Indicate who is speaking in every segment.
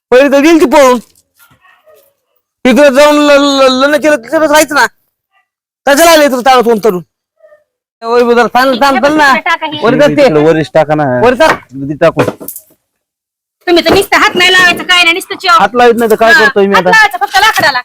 Speaker 1: पहिले तर गेली ती पळून. तिकडे जाऊन लग्न केलं तिकडे राहायचं ना. त्याच्याला आले तर ताळत होऊन तरुण ना
Speaker 2: वरिष्ठ टाका ना टाकून.
Speaker 3: तुम्ही तर नुसतं हात नाही लावायचं काय नाही नुसतं
Speaker 2: हात लावत नाही तर काय करतोय मी आता.
Speaker 3: फक्त लाकडाला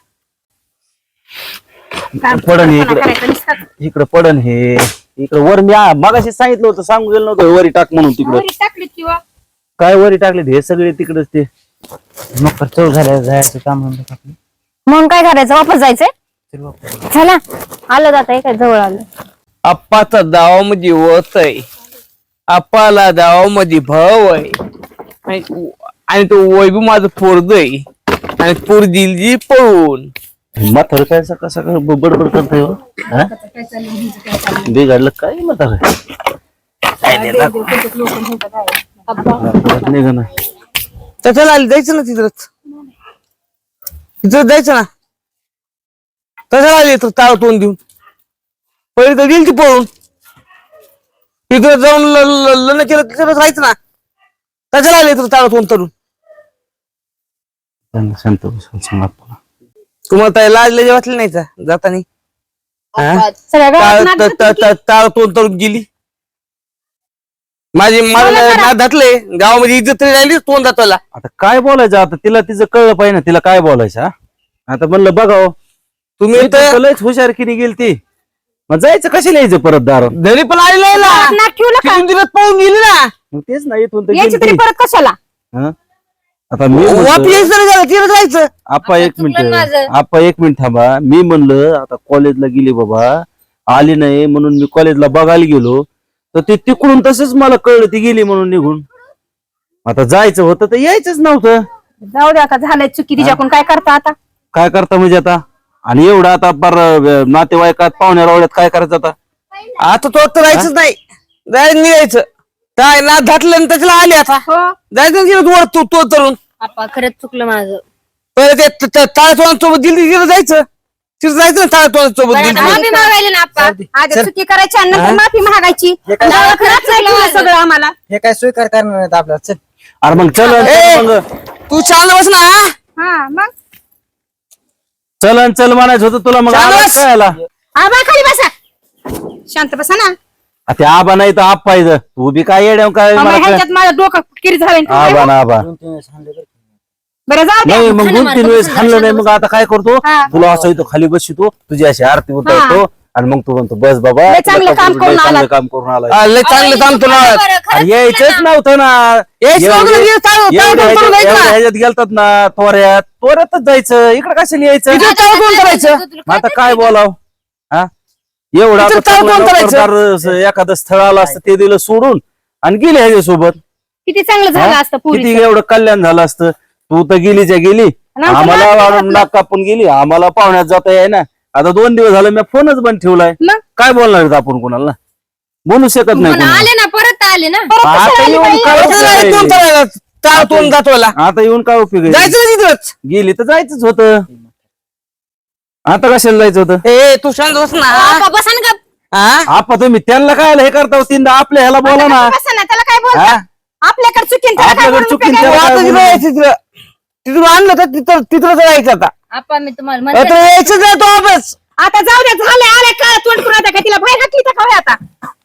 Speaker 2: पडन इकडे पडन हे इकडे वर मी मगाशी सांगितलं होतं सांगू गेलं नव्हतं वरी टाक म्हणून तिकडे
Speaker 3: टाकलीत किंवा
Speaker 2: काय वरी टाकले हे सगळे तिकडेच ते मग चव झाल्या जायचं काम
Speaker 4: मग काय करायचं वापस जायचंय. चला आलं जाता काय जवळ आलं.
Speaker 1: आप्पाचा दावामध्ये वत आहे. आप्पाला दावामध्ये भाव आहे आणि तो वैभव माझं पोरग आहे आणि पोर दिली पळून.
Speaker 2: म्हातारं काय सकाळ सकाळ बडबड करताय हो? बिघडलं काय म्हातारं निघा ना.
Speaker 1: त्याच्याला आली जायचं ना तिथंच जायचं ना. त्याच्याला आली तर ताळ तोंड देऊन पहिले तर गेली ती पळून. तिकडे जाऊन लग्न केलं तिकडे राहायचं ना. त्याच्याला आले तर ताळ तोंड तरुण.
Speaker 2: शांत सांगा
Speaker 1: तुम्हाला ताई लाजले वाटले नाही का जातानी. ताळ तोंड तरुण गेली. मला घातले गावामध्ये इज्जत तरी राहिली तोंड जाताला.
Speaker 2: आता काय बोलायचं आता तिला तिचं कळलं पाहिजे ना तिला काय बोलायचं. आता म्हणलं बघाव
Speaker 1: तुम्ही तर
Speaker 2: लयच हुशारकीने गेली ती मग जायचं कशाला यायचं परत दारात.
Speaker 1: घरी पण आलेलं पाहून गेली ना.
Speaker 2: मग तेच नाही इथून तर
Speaker 4: यायची तरी
Speaker 2: गेली.
Speaker 4: परत कशाला.
Speaker 2: हं? आता मी
Speaker 1: वापस तिला जायचं.
Speaker 2: आपा एक मिनिट थांबा. मी म्हणलं आता कॉलेजला गेली बाबा आली नाही म्हणून मी कॉलेजला बघायला गेलो तर ते तिकडून तसंच मला कळलं ती गेली म्हणून निघून. आता जायचं होतं तर यायचंच नव्हतं.
Speaker 4: जाऊ दे आता झालंय चुकी तिच्याकडून काय करता आता.
Speaker 2: काय करता म्हणजे आता आणि एवढं आता पर नातेवाईकात पाहुण्या रावळ्यात काय करायचं आता.
Speaker 1: आता तो तर राहायचंच नाही. जायचं निघायचं काय ना घातलं आणि त्याच्याला आले आता जायचं तिला तो तरुण.
Speaker 3: आप्पा खरंच चुकलं माझं.
Speaker 1: पहिले ते ताळतोंडासोबत दिली तिला जायचं. तिला जायचं ना ताळतोंडासोबत
Speaker 3: माफी मागायला ना आप्पा.
Speaker 4: आधी चुकी करायची आणि नंतर माफी मागायची. खरंच नाही केलं सगळं आम्हाला.
Speaker 5: हे काय स्वीकार करणार नाहीत आपल्याला. चल
Speaker 2: अरे मग चल
Speaker 1: तू शांत बस ना.
Speaker 4: हा मग
Speaker 2: चल म्हणायचं होतं तुला मग
Speaker 1: चालस.
Speaker 2: आवाज कळायला.
Speaker 4: आबा खाली बसा शांत बसा ना.
Speaker 2: ते आबा नाही तर आप पाहिजे तू बी काय येड्या काय मला कळ-
Speaker 4: ह्याच्यात माझं डोकं किरी झालं.
Speaker 2: आबा ना आबा
Speaker 4: बरं जाऊ दे.
Speaker 2: नाही मग 2-3 वेळेस खाल्लं नाही मग आता काय करतो
Speaker 4: हा.
Speaker 2: तुला असं इथं खाली बसतो तुझी अशी आरती उतरतो आणि मग तू म्हणतो बस बाबा
Speaker 4: लय चांगलं
Speaker 2: तुला
Speaker 4: काम करून
Speaker 2: लय चांगलं
Speaker 4: आलात.
Speaker 2: काम करून आलाय.
Speaker 1: लय चांगलं काम तुला.
Speaker 2: अरे यायचंच नव्हतं ना ह्याच्यात गेलतात ना तोऱ्यातच जायचं इकडे कशाला यायचं.
Speaker 1: कोण करायचं.
Speaker 2: मग आता काय बोलाव हा एवढं आता चांगलं नोकरदार एखादं स्थळ आलं असतं ते दिलं सोडून आणि गेले ह्याच्यासोबत
Speaker 4: किती चांगलं झालं असतं
Speaker 2: किती
Speaker 4: पुरी.
Speaker 2: एवढं कल्याण झालं असतं. तू तर गेलीच्या गेली
Speaker 4: आमचं
Speaker 2: आम्हाला
Speaker 4: नाक
Speaker 2: नाक कापून गेली आम्हाला पाहुण्यात जाता याय ना. आता 2 दिवस झालं मी फोनच बंद ठेवलाय.
Speaker 4: मग?
Speaker 2: काय बोलणार आहेत आपण कोणाला बोलू शकत नाही कोणाला.
Speaker 3: आले ना परत आले ना.
Speaker 2: आता येऊन काय उपयोग आहे?
Speaker 1: ताळतोंड जातोला
Speaker 2: आता येऊन काय उपयोग आहे?
Speaker 1: जायचं ना तिथंच.
Speaker 2: गेली तर जायचंच होतं. आता कशाला जायचं होतं.
Speaker 1: ए तू शांत बस ना.
Speaker 3: आप्पा बसा ना गप.
Speaker 1: हा
Speaker 2: आपण तुम्ही त्यांना काय हे करता तीनदा आपल्या ह्याला बोला ना.
Speaker 4: बसा ना त्याला काय बोलता.
Speaker 2: हा?
Speaker 4: आपल्याकडे चुकीन त्याला काय
Speaker 2: आपल्याकडे
Speaker 4: बोलून
Speaker 2: चुकीन
Speaker 4: उपयोग आहे?
Speaker 2: त्याला
Speaker 1: आता
Speaker 2: काय
Speaker 1: तिथं
Speaker 2: बोलू?
Speaker 1: यायचं तिथं. तिथून आणलं तर तिथं जायचं आता.
Speaker 3: आप्पा मी तुम्हाला
Speaker 1: आता
Speaker 3: म्हणते
Speaker 1: यायचं नाही तो वापस.
Speaker 4: आता जाऊ दे झाले आले काय तोंड करून आता काय तिला बाहेर घातली तर काय आता.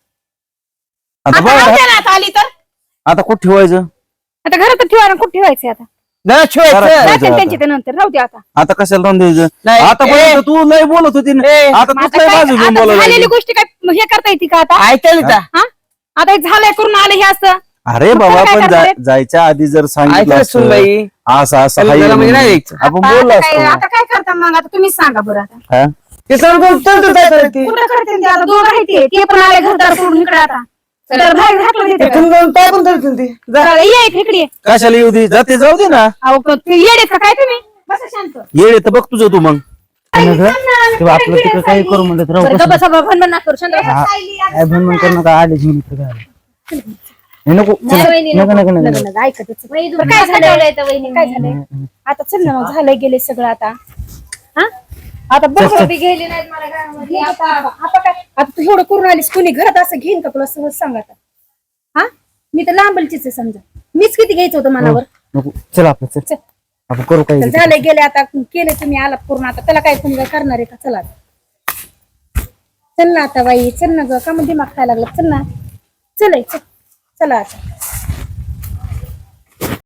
Speaker 2: आता
Speaker 4: आता राहू
Speaker 2: बघा
Speaker 4: द्या ना आता आली तर.
Speaker 2: आता कुठं ठेवायचं.
Speaker 4: आता घरात ठेवा कुठे ठेवायचे आता.
Speaker 1: नाही ठेवायचं.
Speaker 4: जाते
Speaker 2: आता.
Speaker 4: त्यांची ते नंतर राहू दे आता.
Speaker 2: आता कशाला राहून द्यायचं.
Speaker 1: नाही.
Speaker 2: आतापर्यंत तू लय बोलत होती ना.
Speaker 1: ए,
Speaker 2: आता
Speaker 4: मग
Speaker 2: तूच
Speaker 4: आता
Speaker 2: लय
Speaker 4: काय-
Speaker 2: बाजू घेऊन
Speaker 4: आता
Speaker 2: बोलायला
Speaker 4: झालेली
Speaker 2: लागली.
Speaker 4: गोष्टी काय हे करता येते का आता.
Speaker 1: ऐकायला का
Speaker 4: हा आता हे झालंय करून आले हे असं.
Speaker 2: अरे
Speaker 4: मग
Speaker 2: बाबा
Speaker 4: काय
Speaker 2: पण
Speaker 4: करणार आहे?
Speaker 2: जायच्या आधी जर सांगितलं
Speaker 1: ऐकायला
Speaker 2: असतं,
Speaker 1: सुनबाई.
Speaker 2: असं असं
Speaker 1: त्याला
Speaker 2: हाय
Speaker 1: घरामध्ये नाही
Speaker 2: म्हणून
Speaker 1: यायचं.
Speaker 2: आपण
Speaker 4: आता
Speaker 2: बोललो
Speaker 4: काय
Speaker 2: असतो.
Speaker 4: आता काय करता मग आता तुम्हीच सांगा बरं आता.
Speaker 2: हा?
Speaker 1: ते सर्व जायचं ते.
Speaker 4: कुठं करते ते आता दोघं आहे ते पण आले घरदार सोडून इकडे आता. तर बाहेर घातलं तिथे.
Speaker 1: इथून जाऊन काय पण करतील ते. जा.
Speaker 4: तर ये इकडे ये.
Speaker 2: कशाला येऊ दे जाते जाऊ दे ना.
Speaker 4: अहो ते येडेत का काय तुम्ही बसा शांत.
Speaker 2: येडे तर बघ तुझं तू मग.
Speaker 4: तेव्हा
Speaker 5: आपलं तिकडे काही करू म्हणलं तर राहू
Speaker 4: बरं,
Speaker 5: कसं.
Speaker 4: गप्प बसा, भनभन नका करू, शांत बसा.
Speaker 5: काय भनभन करू नका आले घेऊन इकडे काय. हे नको चला. नको नको नको
Speaker 4: लग्न नाही, ऐकतच.
Speaker 3: वहिनी
Speaker 4: बरं,
Speaker 3: काय
Speaker 4: काय झालंय?
Speaker 3: झालं वहिनी
Speaker 4: काय झालंय आता चल ना मग झालंय गेले सगळं आता. हा आता बघ
Speaker 3: बी गेली नाहीत मला घरामध्ये.
Speaker 4: आता काय आता तू एवढं करून आलीस कोणी घरात असं घेईन का तुला सहज सांग आता. हा मी तर लांबलचीच आहे समजा मीच किती घ्यायचं होतं मनावर.
Speaker 5: नको चला आपलं चल.
Speaker 4: चल
Speaker 5: आपण करू काही
Speaker 3: तर झाले गेले आता केले तुम्ही आलात पूर्ण आता त्याला काय तुम्ही काय करणार आहे का चला चल ना आता बाई चल ना ग का मग दिमाग खायला लागला चल ना चल चला आता